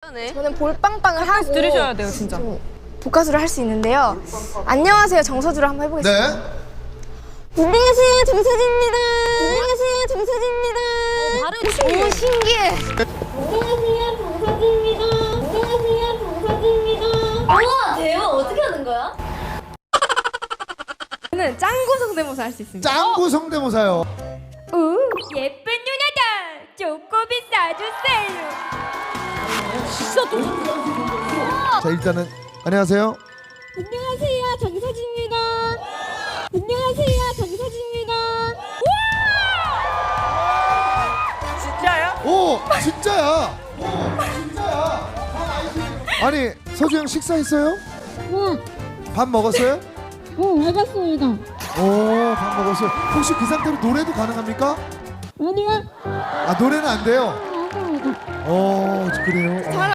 저는 볼빵빵을 하고 들으셔야 돼요, 진짜. 복가수를 할 수 있는데요. 안녕하세요, 정서주를 한번 해보겠습니다. 네. 안녕하세요, 정서주입니다. 안녕하세요, 정서주입니다. 발음 신기해. 오, 신기해. 안녕하세요, 정서진입니다. 안녕하세요, 정서진입니다. 우와, 대박. 어떻게 하는 거야? 저는 짱구 성대모사 할 수 있습니다. 짱구 성대모사요. 예쁜 누나다. 쪼꼬비 싸주세요. 자, 일단은 안녕하세요. 안녕하세요, 정서진입니다. 안녕하세요, 정서진입니다. 진짜요? 오, 진짜야. 진짜야. 아니, 서주 형 식사했어요? 밥 먹었어요? 알겠습니다. 오, 밥 먹었어요. 혹시 그 상태로 노래도 가능합니까? 아니요. 아, 노래는 안 돼요. 그래요.